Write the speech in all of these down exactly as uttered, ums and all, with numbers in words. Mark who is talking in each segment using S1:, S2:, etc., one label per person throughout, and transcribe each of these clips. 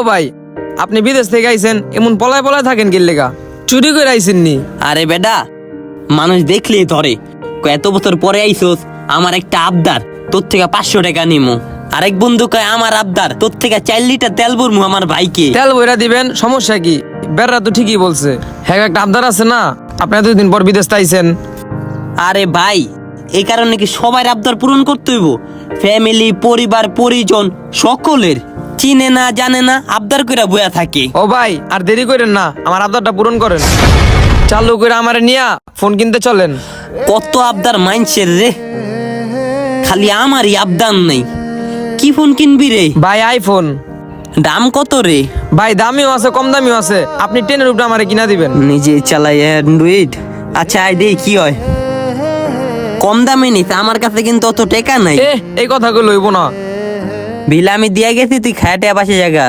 S1: ভাই, আপনি বিদেশ থেকে আইছেন, এমন পলায় পলায় থাকেন কি লেগা? চুরি করে আইছেন নি?
S2: আরে বেটা, মানুষ দেখলেই ধরে কয় এত বছর পরে আইসোস, আমার একটা আবদার, তোর থেকে পাঁচশো টাকা নিমু। আরেক বন্ধু কয় আমার আবদার, তোর থেকে চার লিটার তেল ভরমু আমার ভাইকে।
S1: তেল বইরা দিবেন, সমস্যা কি? বেড়া তো ঠিকই বলছে। হ্যাঁ, একটা আবদার আছে না, আপনি এতদিন পর বিদেশ আইছেন।
S2: আরে ভাই, এই কারণে কি সবাই আবদার পূরণ করতে হইব? ফ্যামিলি, পরিবার, পরিজন সকলের চিনে না জানে না আবদার কইরা বয়া থাকে।
S1: ও ভাই, আর দেরি করেন না, আমার আবদারটা পূরণ করেন। চালু করে আমারে নিয়া ফোন কিনতে চলেন।
S2: কত আবদার মাইনছের রে, খালি আমারই আবদার নেই। কি ফোন কিনবি রে?
S1: ভাই আইফোন।
S2: দাম কত রে?
S1: ভাই দামিও আছে, কম দামিও আছে, আপনি টেনের উপরে আমারে কিনা দিবেন।
S2: নিজে চালাই অ্যান্ড্রয়েড। আচ্ছা আই দে কি হয়। কম দামে নিতে আমার কাছে কিন্তু অত টাকা নাই।
S1: এ এই কথাগুলো হইব না।
S2: বিল আমি দিয়া গেছি, তুই খায়াটে বাসে জায়গা।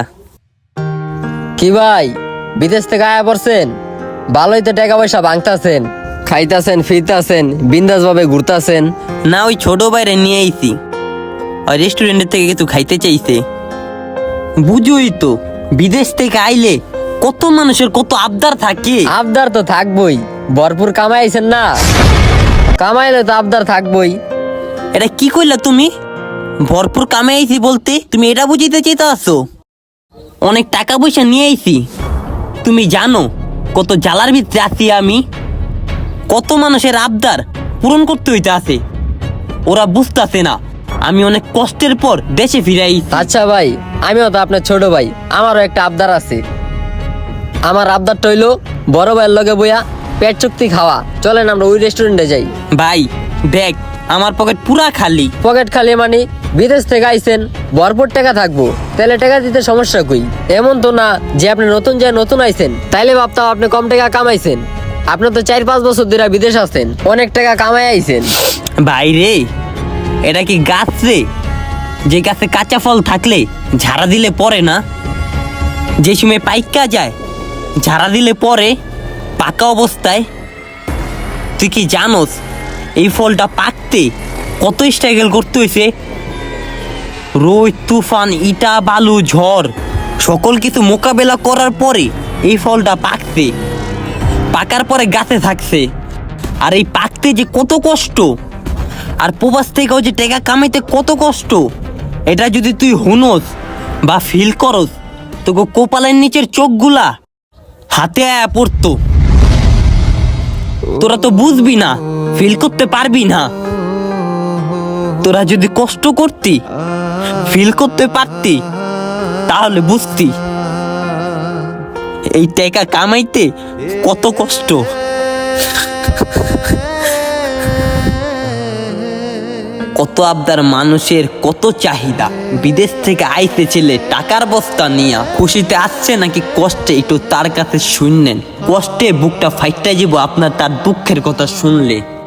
S3: কি ভাই, বিদেশ থেকে আয়া পড়ছেন? ভালোই তো টাকা পয়সা ভাঙতাছেন, খাইতাছেন, ফিরতাছেন, বিন্দাস ভাবে ঘুরতাছেন।
S2: না, ওই ছোট বাইরে নিয়ে আইছি, ওই রেস্টুরেন্টের থেকে কিছু খাইতে চাইছে। বুঝোই তো, বিদেশ থেকে আইলে কত মানুষের কত আবদার থাকে।
S3: আবদার তো থাকবই, ভরপুর কামাইছেন না, কামাইলে তো আবদার থাকবই।
S2: এটা কি কইলা তুমি? ভরপুর কামে আইছি বলতে তুমি এটা বুঝিতে চাইতে আসো? অনেক টাকা পয়সা নিয়ে আইছি, তুমি জানো কত জ্বালার ভিতরে আছি আমি, কত মানুষের আবদার পূরণ করতে হইতে আছে। ওরা বুঝতেছে না আমি অনেক কষ্টের পর দেশে ফিরে আইছি।
S3: আচ্ছা ভাই, আমিও তো আপনার ছোট ভাই, আমারও একটা আবদার আছে। আমার আবদারটা হইলো বড় ভাইয়ের লগে বইয়া পেট চুক্তি খাওয়া। চলেন আমরা ওই রেস্টুরেন্টে যাই।
S2: ভাই দেখ, আমার পকেট পুরা খালি।
S3: পকেট খালি মানে? বিদেশ থেকে আইছেন, ভরপুর টাকা থাকবো, তাহলে টাকা দিতে সমস্যা কই? এমন তো না যে আপনি নতুন যায় নতুন আইছেন তাইলে ভাবতাম আপনি কম টাকা কামাইছেন। আপনি তো চার পাঁচ বছর ধরে বিদেশ আছেন, অনেক টাকা কামাই আইছেন।
S2: ভাই রে, এটা কি গাছ রে যে গাছে কাঁচা ফল থাকলে ঝাড়া দিলে পরে না? যে সময় পাইকা যায় ঝাড়া দিলে পরে পাকা অবস্থায়। তুই কি জানোস এই ফলটা পাকতে কত স্ট্রাগল করতে হয়েছে? রোদ, তুফান, ইটা, বালু, ঝড় সকল কিছু মোকাবেলা করার পরে এই ফলটা পাকছে, পাকার পরে গাছে থাকছে। আর এই পাকতে যে কত কষ্ট, আর প্রবাস থেকেও যে টাকা কামাইতে কত কষ্ট, এটা যদি তুই হুনোস বা ফিল করস, তোকে কপালের নিচের চোখগুলা হাতে আয়া পড়তো। তোরা তো বুঝবি না, ফিল করতে পারবি না। তোরা যদি কষ্ট করতি, ফিল করতে পারতি, তাহলে বুঝতি এই টাকা কামাইতে কত কষ্ট। কত আবদার মানুষের, কত চাহিদা। বিদেশ থেকে আইতে ছেলে টাকার বস্তা নিয়া খুশিতে আসছে নাকি কষ্টে, একটু তার কাছে শুনলেন। কষ্টে বুকটা ফাইটটা যাব আপনার তার দুঃখের কথা শুনলে।